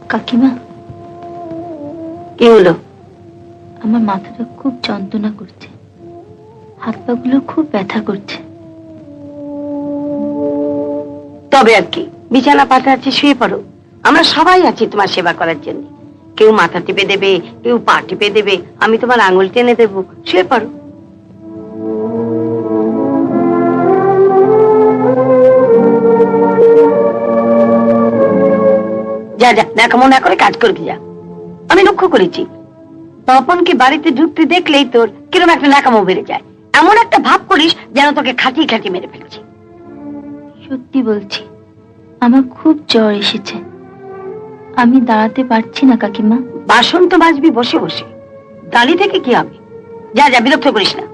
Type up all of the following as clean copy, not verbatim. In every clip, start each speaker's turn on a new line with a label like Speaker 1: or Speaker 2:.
Speaker 1: কাকিমা,
Speaker 2: কি হলো?
Speaker 1: আমার মাথাটা খুব যন্ত্রণা করছে, হাত পা গুলো খুব ব্যথা করছে।
Speaker 2: তবে আর কি, বিছানা পাতা আছে, শুয়ে পড়ো। আমরা সবাই আছি তোমার সেবা করার জন্য। কেউ মাথা টিপে দেবে, কেউ পা টিপে দেবে, আমি তোমার আঙুল টেনে দেবো, শুয়ে পড়ো। যা যা, ন্যাকামো না করে কাজ করবি যা। আমি লক্ষ্য করেছি, তপনকে বাড়িতে ঢুকতে দেখলেই তোর কিরকম একটা ন্যাকামো বেড়ে যায়। এমন একটা ভাব করিস যেন তোকে খাটিয়ে খাটিয়ে মেরে ফেলছি।
Speaker 1: সত্যি বলছি, আমার খুব জ্বর এসেছে, আমি দাঁড়াতে পারছি না কাকিমা।
Speaker 2: বাসন তো মাজবি বসে বসে, দাঁড়িয়ে থেকে কি হবে? যা যা, বিরক্ত করিস না।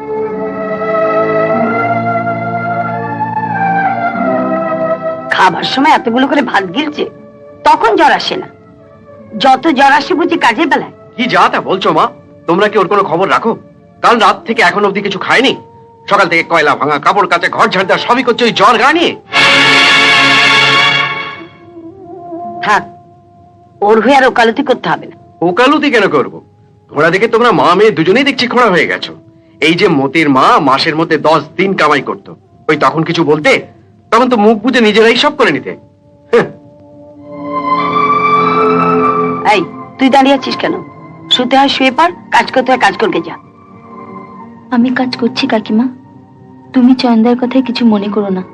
Speaker 2: খাবার সময় এতগুলো করে ভাত গিলছে, তখন জ্বর আসে না। যত জ্বর আসে বুঝি কাজের বেলায়।
Speaker 3: কি যা তা বলছো মা? তোমরা কি ওর কোনো খবর রাখো? কাল রাত থেকে এখন অবধি কিছু খায়নি। সকাল থেকে কয়লা ভাঙা, কাপড় কাচা, ঘর ঝাড় দেওয়া সবই করছে ওই জ্বর গা নিয়ে।
Speaker 2: থাক, ওর হয়ে আর ওকালতি করতে হবে না।
Speaker 3: ওকালতি কেন করবো? ঘোড়া দেখে তোমরা মা মেয়ে দুজনেই দেখছি খোঁড়া হয়ে গেছো। এই যে মতির মা মাসের মধ্যে 10 দিন কামাই করতো, ওই তখন কিছু বলতে? তখন তো মুখ বুঝে নিজেরাই সব করে নিতে।
Speaker 2: এই, তুই দাঁড়িয়ে আছিস কেন? শুতে হয় শুয়ে পড়, কাজ করতে হয় কাজ করতে যা।
Speaker 1: আমি কাজ করছি কাকিমা, তুমি চয়নদার কথায় কিছু মনে করো না।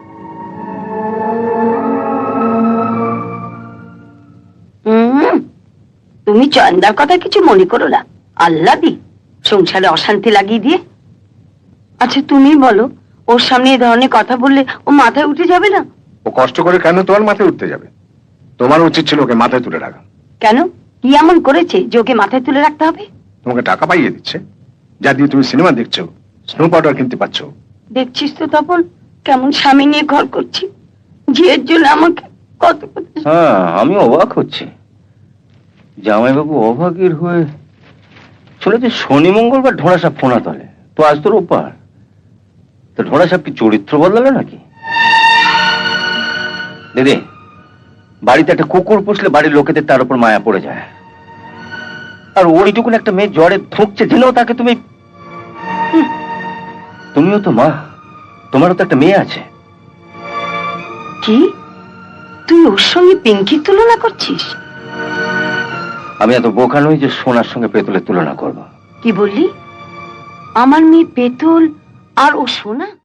Speaker 2: তুমি চয়নদার কথা কিছু মনে করো না? আল্লাহ দি সংসারে অশান্তি লাগিয়ে দিয়ে। আচ্ছা তুমি বলো, ওর সামনে এই ধরনের কথা বললে ও মাথায় উঠে যাবে না?
Speaker 4: ও কষ্ট করে কেন তোমার মাথায় উঠতে যাবে? তোমার উচিত ছিল ওকে মাথায় তুলে রাখা।
Speaker 2: কেন, কি এমন করেছে যে ওকে মাথায় তুলে রাখতে হবে?
Speaker 4: তোমাকে টাকা পাইয়ে দিচ্ছে, যা দিয়ে তুমি সিনেমা দেখছো, স্নো পাউডার কিনতে পারছ।
Speaker 2: দেখছিস তো তপন, কেমন স্বামী নিয়ে ঘর করছি, ঝিয়ের জন্য আমাকে কত কথা।
Speaker 5: হ্যাঁ, আমি অবাক হচ্ছি। জামাইবাবু অভাগীর হয়ে শুনেছি শনি মঙ্গলবার ঢোড়া সাপ ফোনা তলে, তো আজ তোর ওপার। তো ঢোড়া সাপ কি চরিত্র বদলালো নাকি? দিদি, বাড়িতে একটা কুকুর পুষলে বাড়ির লোকেদের তার উপর মায়া পড়ে যায়, আর ওইটুকুন একটা মেয়ে জ্বরে ধুঁকছে জেনেও তাকে তুমি। তুমিও তো মা, তোমারও তো একটা মেয়ে আছে।
Speaker 2: কি, তুই ওর সঙ্গে পিঙ্কির তুলনা করছিস?
Speaker 5: আমি এত বোকা নই যে সোনার সঙ্গে পেতলের তুলনা করব।
Speaker 2: কি বললি? আমার মেয়ে পেতল আর ও সোনা?